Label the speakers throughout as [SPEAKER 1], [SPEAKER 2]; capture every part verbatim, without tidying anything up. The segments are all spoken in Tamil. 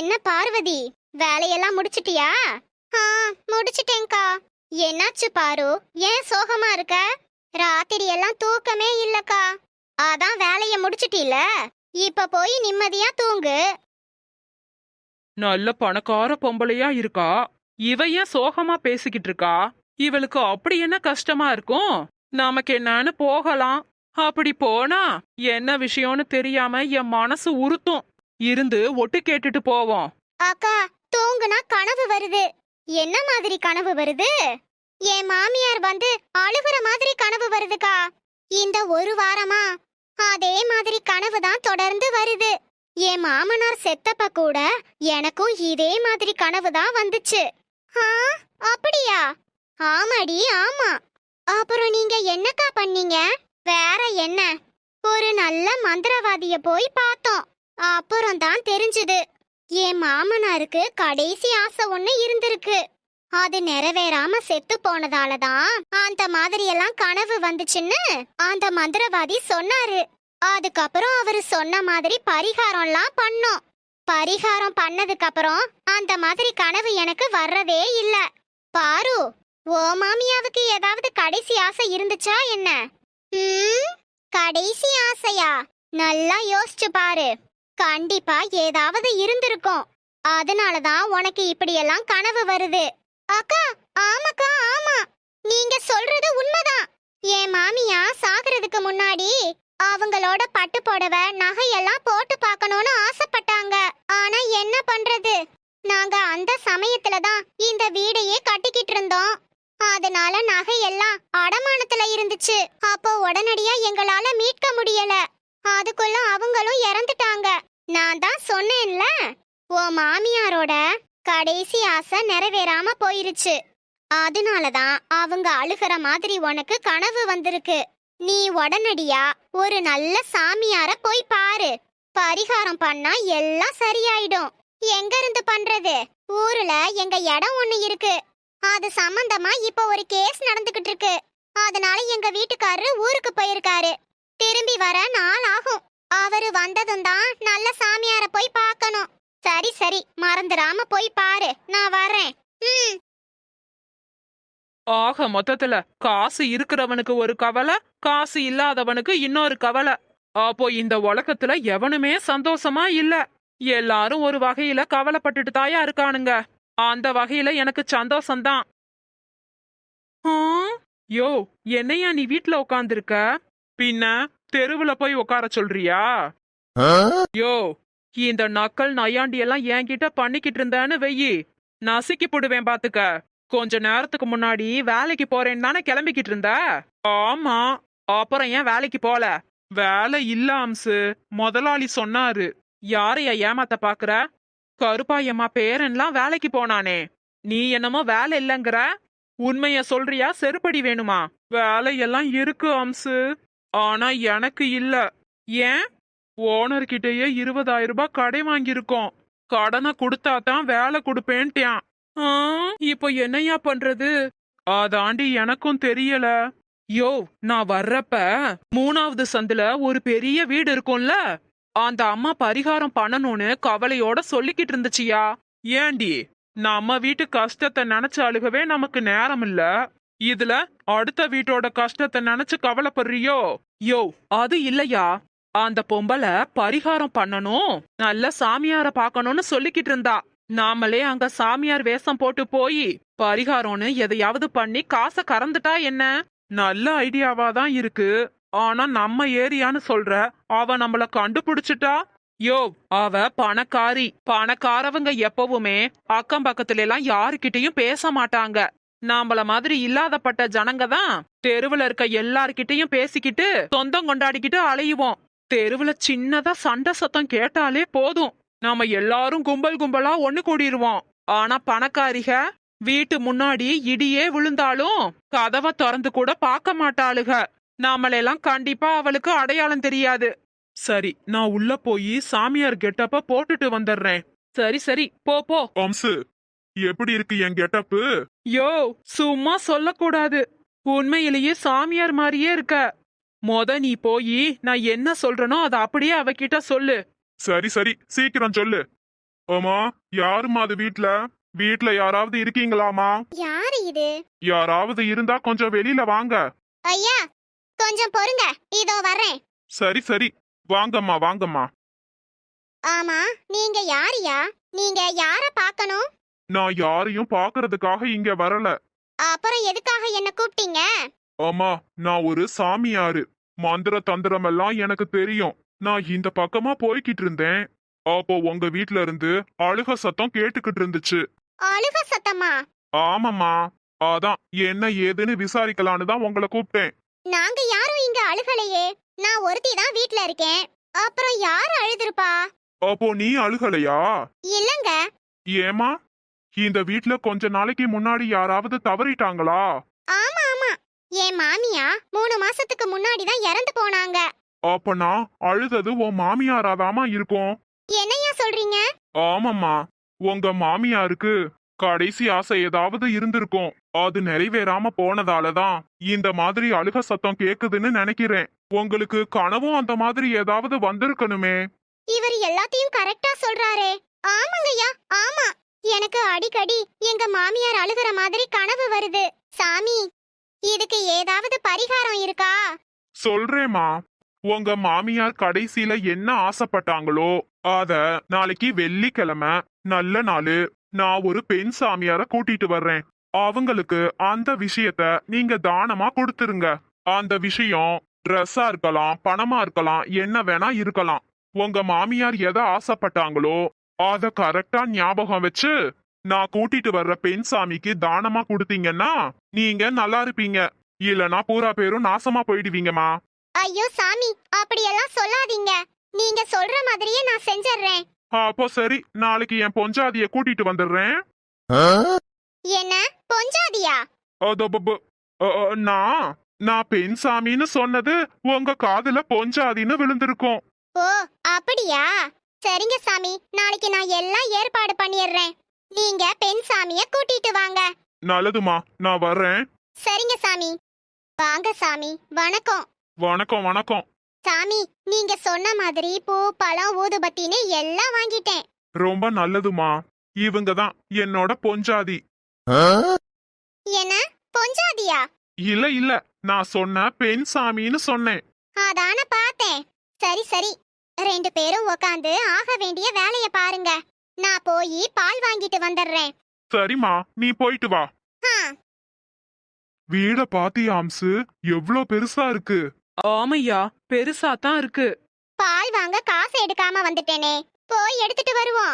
[SPEAKER 1] என்ன பார்வதி, வேலையெல்லாம் முடிச்சிட்டியா? ஆ, முடிச்சிட்டேன்க்கா. என்னாச்சு பாரு, ஏன் சோகமா இருக்க? ராத்திரி எல்லாம் தூக்கமே இல்லக்கா. அதான் வேலைய முடிச்சிட்டீல, இப்ப போய் நிம்மதியா தூங்கு.
[SPEAKER 2] நல்ல பணக்கார பொம்பளையா இருக்கா, இவ ஏன் சோகமா பேசிக்கிட்டு இருக்கா? இவளுக்கு அப்படி என்ன கஷ்டமா இருக்கும்? நமக்கு என்னன்னு போகலாம். அப்படி போனா என்ன விஷயம்னு தெரியாம என் மனசு உறுத்தும். இருந்து ஒட்டு கேட்டுட்டு போவோம்.
[SPEAKER 1] அக்கா, தூங்குனா கனவு வருது. என்ன மாதிரி கனவு வருது? என் மாமியார் வந்து அழுகுற மாதிரி கனவு வருதுக்கா. இந்த ஒரு வாரமா அதே மாதிரி கனவு தான் தொடர்ந்து வருது. என் மாமனார் செத்தப்ப கூட எனக்கும் இதே மாதிரி கனவு தான் வந்துச்சு. ஆ, அப்படியா? ஆமாடி, ஆமா. அப்புறம் நீங்க என்னக்கா பண்ணீங்க? வேற என்ன, ஒரு நல்ல மந்திரவாதிய போய் பார்த்தோம். அப்புறம் தான் தெரிஞ்சது, என் மாமனாருக்கு கடைசி ஆசை ஒண்ணு இருந்திருக்கு. அது நிறைவேறாம செத்து போனதால தான் அந்த மாதிரி எல்லாம் கனவு வந்துச்சுன்னு அந்த மந்திரவாதி சொன்னாரு. அதுக்கப்புறம் அவரு சொன்ன மாதிரி பரிகாரம்லாம் பண்ணோம். பரிகாரம் பண்ணதுக்கு அப்புறம் அந்த மாதிரி கனவு எனக்கு வர்றதே இல்ல. பாரு, ஓ மாமியாவுக்கு ஏதாவது கடைசி ஆசை இருந்துச்சா என்ன? ம், கடைசி ஆசையா? நல்லா யோசிச்சு பாரு. கண்டிப்பா ஏதாவது இருந்திருக்கும். அதனாலதான் உனக்கு இப்படியெல்லாம் கனவு வருது. அக்கா, ஆமாக்கா, ஆமா, நீங்க சொல்றது உண்மைதான். என் மாமியா சாகிறதுக்கு முன்னாடி அவங்களோட பட்டு புடவை நகையெல்லாம் போட்டு பார்க்கணும்னு ஆசைப்பட்டாங்க. ஆனா என்ன பண்றது, நாங்க அந்த சமயத்துல தான் இந்த வீடையே கட்டிக்கிட்டு இருந்தோம். அதனால நகையெல்லாம் அடமானத்துல இருந்துச்சு. அப்போ உடனடியா எங்களால மீட்க முடியல. அதுக்குள்ள அவங்களும் இறந்துட்டாங்க. நான் தான் சொன்னேன்ல, ஓ மாமியாரோட கடைசி ஆசை நிறைவேறாம போயிருச்சு. அதனாலதான் அவங்க அழுகிற மாதிரி உனக்கு கனவு வந்திருக்கு. நீ உடனடியா ஒரு நல்ல சாமியார போய் பாரு. பரிகாரம் பண்ணா எல்லாம் சரியாயிடும். எங்க இருந்து பண்றது? ஊர்ல எங்க இடம் ஒண்ணு இருக்கு. அது சம்பந்தமா இப்ப ஒரு கேஸ் நடந்துகிட்டு இருக்கு. அதனால எங்க வீட்டுக்காரரு ஊருக்கு போயிருக்காரு. திரும்பி வர நாள் ஆகும். அவரு வந்ததும் தான் நல்ல சாமியார போய் பார்க்கணும். சரி சரி, மறந்துடாம போய் பாரு. நான் வரேன். ம்.
[SPEAKER 2] ஆக மொத்தத்துல காசு இருக்கிறவனுக்கு ஒரு கவலை, காசு இல்லாதவனுக்கு இன்னொரு கவலை. அப்போ இந்த உலகத்துல எவனுமே சந்தோஷமா இல்ல. எல்லாரும் ஒரு வகையில கவலைப்பட்டுட்டு தாயா இருக்கானுங்க. அந்த வகையில எனக்கு சந்தோஷம்தான். ஆ, யோ, என்னையா நீ வீட்ல உட்காந்துருக்க? பின்ன தெருவுல போய் உட்கார சொல்றியா? யோ, இந்த நக்கல் நையாண்டி எல்லாம் என்கிட்ட பண்ணிக்கிட்டு இருந்தேன்னு வெயி, நசுக்கி போடுவேன் பாத்துக்க. கொஞ்ச நேரத்துக்கு முன்னாடி வேலைக்கு போறேன்னு தானே கிளம்பிக்கிட்டு இருந்த? ஆமா. அப்புறம் ஏன் வேலைக்கு போல? வேலை இல்ல அம்சு, முதலாளி சொன்னாரு. யாரையா ஏமாத்த பாக்குற? கருப்பாயம்மா பேரன்லாம் வேலைக்கு போனானே, நீ என்னமோ வேலை இல்லங்கிற. உண்மைய சொல்றியா செருப்படி வேணுமா? வேலையெல்லாம் இருக்கு அம்சு, ஆனா எனக்கு இல்ல. ஏன்? ஓனர்கிட்டயே இருபதாயிரம் ரூபாய் கடை வாங்கியிருக்கோம். கடனை கொடுத்தாதான் வேலை கொடுப்பேன்ட்டான். இப்போ என்னையா பண்றது? அதாண்டி எனக்கும் தெரியல. யோ, நான் வர்றப்ப மூணாவது சந்துல ஒரு பெரிய வீடு இருக்கும்ல, அந்த அம்மா பரிகாரம் பண்ணணும்னு கவலையோட சொல்லிக்கிட்டு இருந்துச்சியா. ஏண்டி, நம்ம வீட்டு கஷ்டத்தை நினைச்சு அழுகவே நமக்கு நேரம் இல்ல, இதுல அடுத்த வீட்டோட கஷ்டத்தை நினைச்சு கவலைப்படுறியோ? யோ, அது இல்லையா, அந்த பொம்பளை பரிகாரம் பண்ணணும், நல்ல சாமியார பாக்கணும்னு சொல்லிக்கிட்டு இருந்தா. நாமளே அங்க சாமியார் வேஷம் போட்டு போய் பரிகாரம்னு எதையாவது பண்ணி காசை கறந்துட்டா என்ன? நல்ல ஐடியாவா தான் இருக்கு. ஆனா நம்ம ஏரியான்னு சொல்ற, அவ நம்மள கண்டுபிடிச்சிட்டா. யோ, அவ பணக்காரி. பணக்காரவங்க எப்பவுமே அக்கம் பக்கத்துல எல்லாம் யாருக்கிட்டையும் பேச மாட்டாங்க. நாமள மாதிரி இல்லாதப்பட்ட ஜனங்க தான் தெருவுல இருக்க எல்லார்கிட்டையும் பேசிக்கிட்டு சொந்தம் கொண்டாடிக்கிட்டு அலையுவோம். தெருவுல சின்னதா சண்டை சத்தம் கேட்டாலே போதும், நாம எல்லாரும் கும்பல் கும்பலா ஒண்ணு கூடிருவோம். ஆனா பணக்காரிக வீட்டு முன்னாடி இடியே விழுந்தாலும் கதவை திறந்து கூட பார்க்க மாட்டாளுக. நாமளெல்லாம் கண்டிப்பா அவளுக்கு அடையாளம் தெரியாது. சரி, நான் உள்ள போய் சாமியார் கெட்டப்ப போட்டுட்டு வந்துடுறேன். சரி சரி, போ போ.
[SPEAKER 3] அம்சு, எப்படி இருக்கு என் கெட்டப்பு?
[SPEAKER 2] யோ, சும்மா சொல்லக்கூடாது, உண்மையிலேயே சாமியார் மாதிரியே இருக்க. மொத நீ போய் நான் என்ன சொல்றனோ அதை அப்படியே அவகிட்ட சொல்லு.
[SPEAKER 3] சரி சரி, சீக்கிரம் சொல்லு. ஆமா, யாரும்மா அது வீட்ல? வீட்ல யாராவது இருக்கீங்களாமா?
[SPEAKER 1] யாரு இது?
[SPEAKER 3] யாராவது இருந்தா கொஞ்சம் வெளியில வாங்க.
[SPEAKER 1] ஐயா கொஞ்சம் பொறுங்க, இதோ வர்றேன்.
[SPEAKER 3] சரி சரி, வாங்கம்மா வாங்கம்மா.
[SPEAKER 1] ஆமா, நீங்க யாரியா? நீங்க யார பார்க்கணும்?
[SPEAKER 3] நான் யாரையும் பாக்குறதுக்காக இங்க வரல.
[SPEAKER 1] அப்புறம் எதுக்காக என்ன கூப்பிட்டீங்க?
[SPEAKER 3] ஆமா, நான் ஒரு சாமியாரு. மந்திர தந்திரம் எல்லாம் எனக்கு தெரியும். நான் இந்த பக்கமா போய்கிட்டு இருந்தேன். அப்போ உங்க வீட்ல இருந்து அழுக சத்தம் கேட்டுக்கிட்டு இருந்துச்சு.
[SPEAKER 1] அழுக சத்தமா?
[SPEAKER 3] ஆமாம்மா, அதான் என்ன ஏதுன்னு விசாரிக்கலான்னு தான் உங்களை கூப்பிட்டேன்.
[SPEAKER 1] நாங்க யாரும் இங்க அழுகலையே. நான் ஒருத்தி தான் வீட்ல இருக்கேன். அப்புறம் யார் அழுதுருப்பா?
[SPEAKER 3] அப்போ நீ அழுகலையா?
[SPEAKER 1] இல்லங்க.
[SPEAKER 3] ஏமா, இந்த வீட்ல கொஞ்ச நாளைக்கு முன்னாடி யாராவது தவறிட்டாங்களா?
[SPEAKER 1] ஆமா ஆமா, என் மாமியா மூணு மாசத்துக்கு முன்னாடி தான் இறந்து போனாங்க.
[SPEAKER 3] அப்ப நான் அழுதது உன் மாமியாராதாமா இருக்கும்.
[SPEAKER 1] என்னையா சொல்றீங்க?
[SPEAKER 3] ஆமாம்மா, உங்க மாமியாருக்கு கடைசி ஆசை ஏதாவது இருந்திருக்கும். அது நிறைவேறாம போனதாலதான் இந்த மாதிரி அழுக சத்தம் கேக்குதுன்னு நினைக்கிறேன். உங்களுக்கு கனவும் அந்த மாதிரி ஏதாவது வந்திருக்கணுமே.
[SPEAKER 1] இவர் எல்லாத்தையும் கரெக்டா சொல்றாரே. ஆமாங்கய்யா, ஆமா. எனக்கு அடிக்கடி எங்க மாமியார் அழுகுற மாதிரி கனவு வருது. சாமி, இதுக்கு ஏதாவது பரிகாரம் இருக்கா?
[SPEAKER 3] சொல்றேம்மா, உங்க மாமியார் கடைசியில என்ன ஆசைப்பட்டாங்களோ அத நாளைக்கு வெள்ளிக்கிழமை நல்ல நாளு நான் ஒரு பெண் சாமியார கூட்டிட்டு வர்றேன். அவங்களுக்கு அந்த விஷயத்த நீங்க தானமா கொடுத்துருங்க. அந்த விஷயம் ட்ரெஸ்ஸா இருக்கலாம், பணமா இருக்கலாம், என்ன வேணா இருக்கலாம். உங்க மாமியார் எதை ஆசைப்பட்டாங்களோ அத கரெக்டா ஞாபகம் வச்சு நான் கூட்டிட்டு வர்ற பெண் சாமிக்கு தானமா கொடுத்தீங்கன்னா நீங்க நல்லா இருப்பீங்க. இல்லனா பூரா பேரும் நாசமா போயிடுவீங்கம்மா.
[SPEAKER 1] ஐயோ சாமி, அப்படியெல்லாம் சொல்லாதீங்க. நீங்க சொல்ற மாதிரியே நான் செஞ்சிடுறேன்.
[SPEAKER 3] அப்போ சரி, நாளைக்கு என் பொஞ்சாதிய கூட்டிட்டு வந்துடுறேன்.
[SPEAKER 1] என்ன பொஞ்சாதியா?
[SPEAKER 3] அதோ பப்பு. அ, அ, நான் நான் பெண் சாமின்னு சொன்னது உங்க காதுல பொஞ்சாதின்னு விழுந்திருக்கும்.
[SPEAKER 1] ஓ அப்படியா? சரிங்க சாமி, நாளைக்கு நான் எல்லாம் ஏற்பாடு பண்ணிடுறேன். நீங்க பெண் சாமிய கூட்டிட்டு வாங்க.
[SPEAKER 3] நல்லதுமா, நான் வர்றேன்.
[SPEAKER 1] சரிங்க சாமி. வாங்க சாமி, வணக்கம்.
[SPEAKER 3] வணக்கம் வணக்கம்.
[SPEAKER 1] சாமி, நீங்க சொன்ன மாதிரி பூ பழம் ஊதுபத்தின்னு எல்லாம் வாங்கிட்டேன்.
[SPEAKER 3] ரொம்ப நல்லதுமா. இவங்க தான் என்னோட பொஞ்சாதி.
[SPEAKER 1] என்ன பொஞ்சாதியா?
[SPEAKER 3] இல்ல இல்ல, நான் சொன்ன பெண் சாமின்னு சொன்னேன்.
[SPEAKER 1] அதான பார்த்தேன். சரி சரி, ரெண்டு பேரும் உக்காந்து ஆக வேண்டிய வேலைய பாருங்க. நான் போய் பால் வாங்கிட்டு வந்துடுறேன்.
[SPEAKER 3] சரிம்மா, நீ போயிட்டு வா.
[SPEAKER 1] ஆ,
[SPEAKER 3] வீட பாத்தியா அம்சு, எவ்ளோ பெருசா இருக்கு.
[SPEAKER 2] ஆமையா, பெருசா தான் இருக்கு.
[SPEAKER 1] பால் வாங்க காசு எடுக்காம வந்துட்டேனே, போய் எடுத்துட்டு வருவோம்.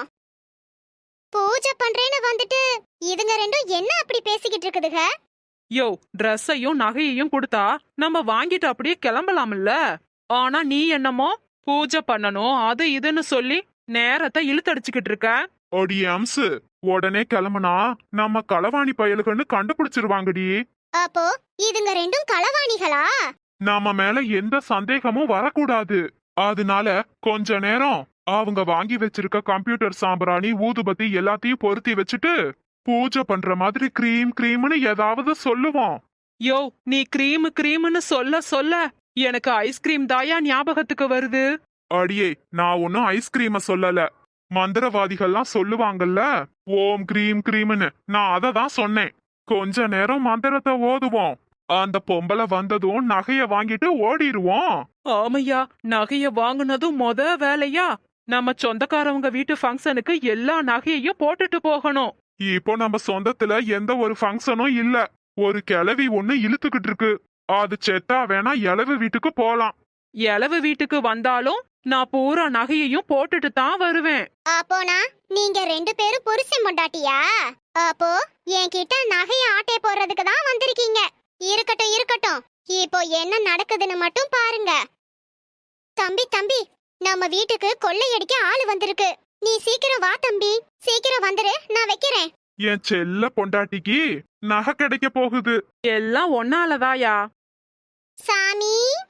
[SPEAKER 1] பூஜை பண்றேன்னு வந்துட்டு இதுங்க ரெண்டும் என்ன அப்படி பேசிக்கிட்டு இருக்குதுங்க?
[SPEAKER 2] யோ, ட்ரெஸ்ஸையும் நகையையும் கொடுத்தா நம்ம வாங்கிட்டு அப்படியே கிளம்பலாம்ல. ஆனா நீ என்னமோ பூஜை பண்ணணும் அது இதுன்னு சொல்லி நேரத்தை இழுத்தடிச்சுக்கிட்டு இருக்க.
[SPEAKER 3] அடி அம்சு, உடனே கிளம்புனா நம்ம களவாணி பயலுகன்னு கண்டுபிடிச்சிருவாங்கடி.
[SPEAKER 1] அப்போ இதுங்க ரெண்டும் களவாணிகளா?
[SPEAKER 3] நாம மேல எந்த சந்தேகமும் வரக்கூடாது. அதனால கொஞ்ச நேரம் அவங்க வாங்கி வச்சிருக்க கம்ப்யூட்டர் சாம்பிராணி ஊதுபத்தி எல்லாத்தையும் பொருத்தி வச்சுட்டு பூஜை பண்ற மாதிரி கிரீம் கிரீம்னு ஏதாவது சொல்லுவோம்.
[SPEAKER 2] யோ, நீ கிரீம் கிரீம்னு சொல்ல சொல்ல எனக்கு ஐஸ்கிரீம் தாயா ஞாபகத்துக்கு வருது.
[SPEAKER 3] அடியே, நான் ஒன்னும் ஐஸ்கிரீம சொல்லல. மந்திரவாதிகள்லாம் சொல்லுவாங்கல்ல, ஓம் கிரீம் கிரீம்னு, நான் அதை தான் சொன்னேன். கொஞ்ச நேரம் மந்திரத்தை ஓதுவோம். அந்த பொம்பளை வந்ததும் நகைய வாங்கிட்டு ஓடிடுவோம்.
[SPEAKER 2] ஆமையா, நகைய வாங்குனதும் மொத வேலையா நம்ம சொந்தக்காரவங்க வீட்டு ஃபங்க்ஷனுக்கு எல்லா நகையையும் போட்டுட்டு போகணும்.
[SPEAKER 3] இப்போ நம்ம சொந்தத்துல எந்த ஒரு ஃபங்க்ஷனும் இல்ல. ஒரு கிழவி ஒண்ணு இழுத்துக்கிட்டு இருக்கு. அது செத்தா வேணா இளவு வீட்டுக்கு போலாம்.
[SPEAKER 2] எலவு வீட்டுக்கு வந்தாலும் நான் பூரா நகையையும் போட்டுட்டு தான் வருவேன்.
[SPEAKER 1] அப்போனா நீங்க ரெண்டு பேரும் புருஷன் பொண்டாட்டியா? அப்போ என்கிட்ட நகைய ஆட்டை போடுறதுக்கு தான் வந்திருக்கீங்க. இருக்கட்டும் இருக்கட்டும், இப்போ என்ன நடக்குதுன்னு மட்டும் பாருங்க. தம்பி தம்பி, நம்ம வீட்டுக்கு கொள்ளையடிக்க ஆளு வந்திருக்கு. நீ சீக்கிரம் வா தம்பி, சீக்கிரம் வந்துரு, நான் வைக்கிறேன்.
[SPEAKER 3] என் செல்ல பொண்டாட்டிக்கு நகை கிடைக்க போகுது.
[SPEAKER 2] எல்லாம் ஒன்னாலதாயா.
[SPEAKER 1] சாமி,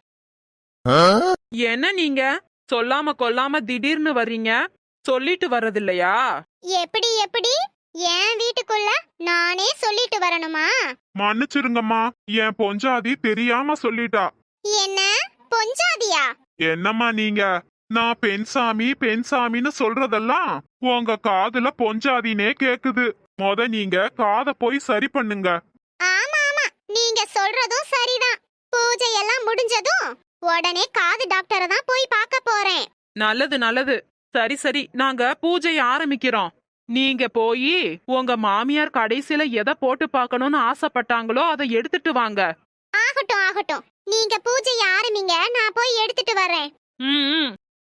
[SPEAKER 2] என்ன நீங்க சொல்லாம கொல்லாம திடீர்னு வர்றீங்க? சொல்லிட்டு வர்றதில்லையா?
[SPEAKER 1] எப்படி எப்படி என் வீட்டுக்குள்ள நானே சொல்லிட்டு வரணுமா?
[SPEAKER 3] மன்னிச்சிருங்கம்மா, என் பொஞ்சாதி தெரியாம சொல்லிட்டா.
[SPEAKER 1] என்ன பொஞ்சாதியா?
[SPEAKER 3] என்னம்மா நீங்க நான் பெண்சாமி பெண்சாமின்னு சொல்றதெல்லாம் உங்க காதுல பொஞ்சாதினே கேக்குது. மொத நீங்க காதை போய் சரி பண்ணுங்க.
[SPEAKER 1] ஆமா ஆமா, நீங்க சொல்றதும் சரிதான். பூஜை எல்லாம் முடிஞ்சதும் உடனே காது டாக்டரை தான் போய் பார்க்க போறேன்.
[SPEAKER 2] நல்லது நல்லது. சரி சரி, நாங்க பூஜைய ஆரம்பிக்கிறோம். நீங்க போய் உங்க மாமியார் கடைசியில எதை போட்டு பார்க்கணும்னு ஆசைப்பட்டாங்களோ அதை எடுத்துட்டு வாங்க.
[SPEAKER 1] ஆகட்டும் ஆகட்டும், நீங்க பூஜையை ஆரம்பிங்க, நான் போய் எடுத்துட்டு வரேன்.
[SPEAKER 2] ம், ம்.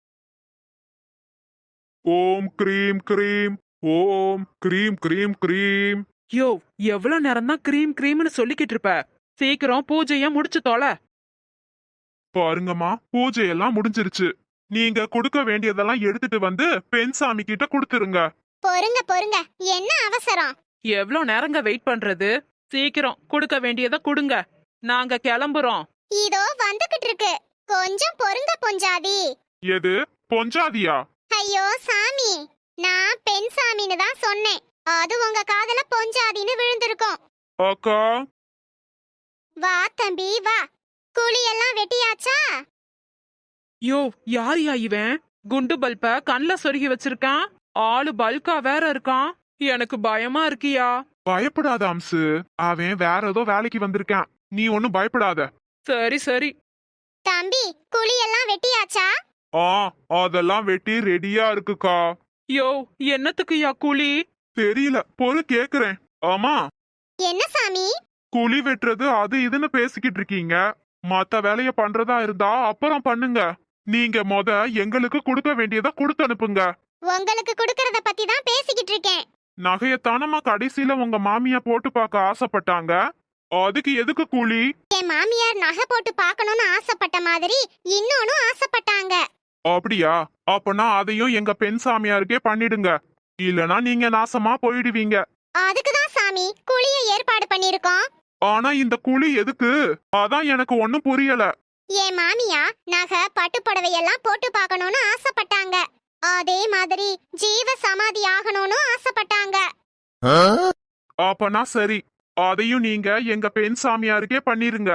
[SPEAKER 3] ஓம் கிரீம் கிரீம், ஓம் கிரீம் கிரீம் கிரீம்.
[SPEAKER 2] யோ, எவ்வளவு நேரம் தான் கிரீம் கிரீம்னு சொல்லிக்கிட்டு இருப்ப? சீக்கிரம் பூஜைய முடிச்சு தொலை.
[SPEAKER 3] பாருங்கம்மா, பூஜை எல்லாம் முடிஞ்சிருச்சு. நீங்க கொடுக்க வேண்டியதெல்லாம் எடுத்துட்டு வந்து பெண்சாமி கிட்ட கொடுத்துருங்க.
[SPEAKER 1] பொறுங்க பொறுங்க, என்ன அவசரம்?
[SPEAKER 2] எவ்வளோ நேரங்க வெயிட் பண்றது? சீக்கிரம் கொடுக்க வேண்டியதை கொடுங்க. நாங்க கிளம்புறோம்.
[SPEAKER 1] இதோ வந்துகிட்டு இருக்கு, கொஞ்சம் பொறுங்க பொஞ்சாதி.
[SPEAKER 3] எது பொஞ்சாதியா?
[SPEAKER 1] ஐயோ சாமி, நான் பெண் சாமின்னு தான் சொன்னேன். அது உங்க காதுல பொஞ்சாதின்னு விழுந்திருக்கும்.
[SPEAKER 3] அக்கா,
[SPEAKER 1] வா தம்பி வா, குழி எல்லாம் வெட்டியாச்சா?
[SPEAKER 2] யோ, யாரியா இவன்? குண்டு பல்ப கண்ல சொருகி வச்சிருக்கான். ஆளு பல்கா வேற இருக்கான். எனக்கு பயமா இருக்கியா?
[SPEAKER 3] பயப்படாத அம்சு, அவன் வேற ஏதோ வேலைக்கு வந்திருக்கான். நீ ஒன்னும் பயப்படாத.
[SPEAKER 2] சரி சரி.
[SPEAKER 1] தம்பி, குழி எல்லாம் வெட்டியாச்சா?
[SPEAKER 3] ஆ, அதெல்லாம் வெட்டி ரெடியா இருக்குக்கா.
[SPEAKER 2] யோ, என்னத்துக்குயா குழி?
[SPEAKER 3] தெரியல, பொறு கேக்குறேன். ஆமா,
[SPEAKER 1] என்ன சாமி?
[SPEAKER 3] குழி வெட்டுறது அது இதுன்னு பேசிக்கிட்டு இருக்கீங்க. மத்த வேலைய பண்றதா இருந்தா அப்புறம் பண்ணுங்க. நீங்க மொத எங்களுக்கு கொடுக்க வேண்டியதை கொடுத்து அனுப்புங்க.
[SPEAKER 1] உங்களுக்கு கொடுக்கறத பத்தி தான் பேசிக்கிட்டு இருக்கேன்.
[SPEAKER 3] நகையத்தானமா கடைசியில உங்க மாமியா போட்டு பார்க்க ஆசைப்பட்டாங்க. அதுக்கு எதுக்கு கூலி?
[SPEAKER 1] என் மாமியார் நகை போட்டு பார்க்கணும்னு ஆசைப்பட்ட மாதிரி இன்னொன்னு ஆசைப்பட்டாங்க.
[SPEAKER 3] அப்படியா? அப்பனா அதையும் எங்க பெண் சாமியாருக்கே பண்ணிடுங்க. இல்லனா நீங்க நாசமா போயிடுவீங்க.
[SPEAKER 1] அதுக்குதான் சாமி குழிய ஏற்பாடு பண்ணிருக்கோம்.
[SPEAKER 3] ஆனா இந்த குழி எதுக்கு? அதான் எனக்கு ஒண்ணும் புரியல.
[SPEAKER 1] என் மாமியா நகை பட்டு புடவையெல்லாம் போட்டு பார்க்கணும்னு ஆசைப்பட்டாங்க. அதே மாதிரி ஜீவ சமாதி ஆகணும்னு ஆசைப்பட்டாங்க.
[SPEAKER 3] அப்பனா சரி, அதையும் நீங்க எங்க பெண் சாமியாருக்கே பண்ணிருங்க.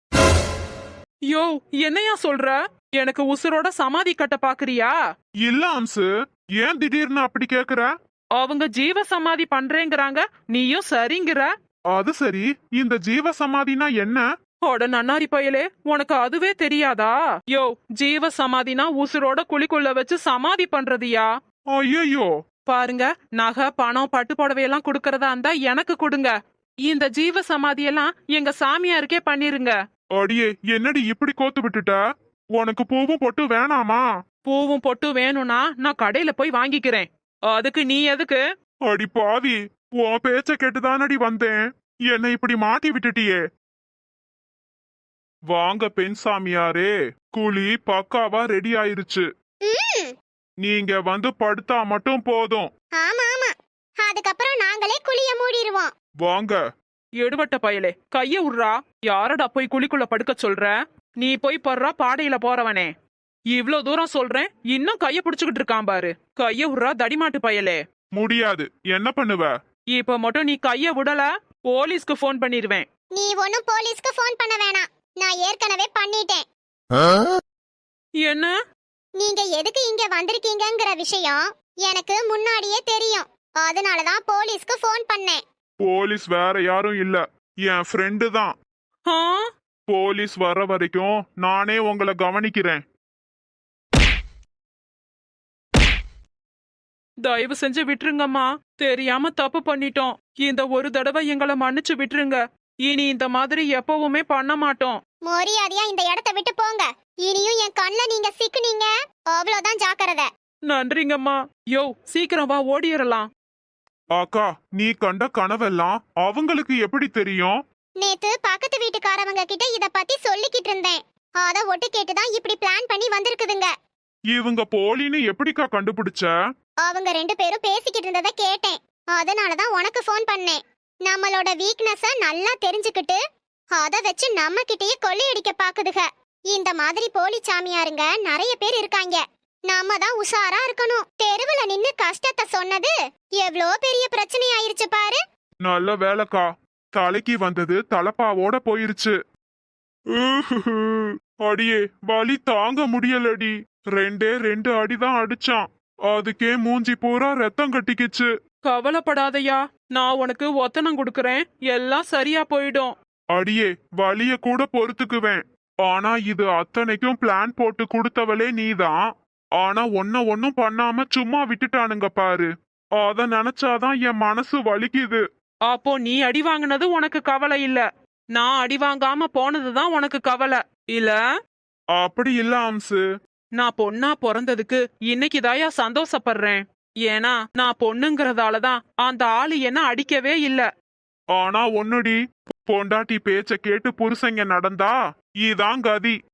[SPEAKER 2] யோ, என்னையா சொல்ற? எனக்கு உசுரோட சமாதி கட்ட பாக்குறியா?
[SPEAKER 3] இல்ல அம்சு, ஏன் திடீர்னு அப்படி கேக்குற?
[SPEAKER 2] அவங்க ஜீவ சமாதி பண்றேங்கிறாங்க, நீயும் சரிங்கிற.
[SPEAKER 3] அது சரி, இந்த ஜீவ சமாதினா என்ன?
[SPEAKER 2] அட நன்னாரி பயலே, உனக்கு அதுவே தெரியாதா? யோ, ஜீவ சமாதினா உசுரோட குழிக்குள்ள வச்சு சமாதி பண்றதுயா.
[SPEAKER 3] ஐயோ,
[SPEAKER 2] பாருங்க, நகை பணம் பட்டு புடவையெல்லாம் கொடுக்கறதா இருந்தா எனக்கு கொடுங்க. இந்த ஜீவ சமாதியெல்லாம் எங்க சாமியாருக்கே பண்ணிருங்க.
[SPEAKER 3] அடியே, என்னடி இப்படி கோத்து விட்டுட்ட? உனக்கு பூவும் பொட்டு வேணாமா?
[SPEAKER 2] பூவும் பொட்டு வேணும்னா நான் கடையில போய் வாங்கிக்கிறேன். அதுக்கு நீ எதுக்கு?
[SPEAKER 3] அடி பாவி, உன் பேச்ச கேட்டுதானடி வந்தேன். என்னை இப்படி மாட்டி விட்டுட்டியே. வாங்க பெண் சாமியாரே, குழி பக்காவா ரெடி ஆயிருச்சு.
[SPEAKER 1] ம்,
[SPEAKER 3] நீங்க வந்து படுத்தா மட்டும் போதும்.
[SPEAKER 1] ஆமா ஆமா, அதுக்கப்புறம் நாங்களே குழிய மூடிடுவோம்.
[SPEAKER 3] வாங்க.
[SPEAKER 2] எடுபட்ட பயலே, கைய உர்றா. யாரடா போய் குழிக்குள்ள படுக்க சொல்ற? நீ போய் படுறா பாடையில போறவனே. இவ்ளோ தூரம் சொல்றேன், இன்னும் கைய புடிச்சுக்கிட்டு இருக்கான் பாரு. கைய உர்றா தடிமாட்டு பயலே.
[SPEAKER 3] முடியாது, என்ன பண்ணுவ?
[SPEAKER 2] இப்ப மட்டும் நீ கைய விடல, போலீஸ்க்கு போன் பண்ணிருவேன்.
[SPEAKER 1] நீ ஒன்னும் போலீஸ்க்கு ஃபோன் பண்ண வேணாம், நான் ஏற்கனவே பண்ணிட்டேன்.
[SPEAKER 2] என்ன?
[SPEAKER 1] நீங்க எதுக்கு இங்க வந்திருக்கீங்கங்கிற விஷயம் எனக்கு முன்னாடியே தெரியும். அதனாலதான் போலீஸ்க்கு ஃபோன் பண்ணேன்.
[SPEAKER 3] போலீஸ் வேற யாரும் இல்ல, என் ஃப்ரெண்டு தான்.
[SPEAKER 2] ஆ?
[SPEAKER 3] போலீஸ் வர வரைக்கும் நானே உங்களை கவனிக்கிறேன்.
[SPEAKER 2] தயவு செஞ்சு விட்டுருங்கம்மா, தெரியாம தப்பு பண்ணிட்டோம். இந்த ஒரு தடவை எங்களை மன்னிச்சு விட்டுருங்க. இனி இந்த மாதிரி எப்பவுமே பண்ண மாட்டோம்.
[SPEAKER 1] மரியாதையா இந்த இடத்த விட்டு போங்க. இனியும் என் கண்ணுல நீங்க சிக்குனீங்க, அவ்வளவுதான் ஜாக்கிரதை.
[SPEAKER 2] நன்றிங்கம்மா. யோ, சீக்கிரம் வா, ஓடிரலாம்.
[SPEAKER 3] அக்கா, நீ கண்ட கனவெல்லாம் அவங்களுக்கு எப்படி தெரியும்?
[SPEAKER 1] நேத்து பக்கத்து வீட்டுக்காரவங்க கிட்ட இத பத்தி சொல்லிக்கிட்டு இருந்தேன். அத ஒட்டு கேட்டுதான் இப்படி பிளான் பண்ணி வந்திருக்குதுங்க.
[SPEAKER 3] இவங்க போலின்னு எப்படிக்கா கண்டுபிடிச்ச?
[SPEAKER 1] அவங்க ரெண்டு பேரும் பேசிக்கிட்டு இருந்ததை கேட்டேன். அதனாலதான் உனக்கு ஃபோன் பண்ணேன். நம்மளோட வீக்னஸ நல்லா தெரிஞ்சுக்கிட்டு அத வச்சு நம்ம கிட்டயே கொள்ளையடிக்க பாக்குதுக. இந்த மாதிரி போலி சாமியாருங்க நிறைய பேர் இருக்காங்க. நாம தான் உஷாரா இருக்கணும். தெருவுல நின்னு கஷ்டத்தை சொன்னது எவ்ளோ பெரிய பிரச்சனை ஆயிருச்சு பாரு.
[SPEAKER 3] நல்ல வேலைக்கா, தலைக்கு வந்தது தலப்பாவோட போயிருச்சு. அடியே, வலி தாங்க முடியலடி. ரெண்டே ரெண்டு அடிதான் அடிச்சான். அதுக்கே மூஞ்சி பூரா ரத்தம் கட்டிக்கிச்சு.
[SPEAKER 2] கவலைப்படாதயா, நான் உனக்கு ஒத்தனம் கொடுக்கறேன், எல்லாம் சரியா போயிடும்.
[SPEAKER 3] அடியே, வலிய கூட பொறுத்துக்குவேன். ஆனா இது அத்தனைக்கும் பிளான் போட்டு கொடுத்தவளே நீதான். ஆனா ஒன்ன ஒன்னும் பண்ணாம சும்மா விட்டுட்டானுங்க பாரு. அத நினைச்சாதான் என் மனசு வலிக்குது.
[SPEAKER 2] அப்போ நீ அடி வாங்கினது உனக்கு கவலை இல்ல, நான் அடி வாங்காம போனதுதான் உனக்கு கவலை இல்ல?
[SPEAKER 3] அப்படி இல்ல அம்சு.
[SPEAKER 2] நான் பொண்ணா பிறந்ததுக்கு இன்னைக்கு தாயா சந்தோஷப்படுறேன். ஏன்னா நான் பொண்ணுங்கிறதாலதான் அந்த ஆளு என்ன அடிக்கவே இல்ல.
[SPEAKER 3] ஆனா ஒன்னுடி, பொண்டாட்டி பேச்ச கேட்டு புருஷங்க நடந்தா இதான் கதி.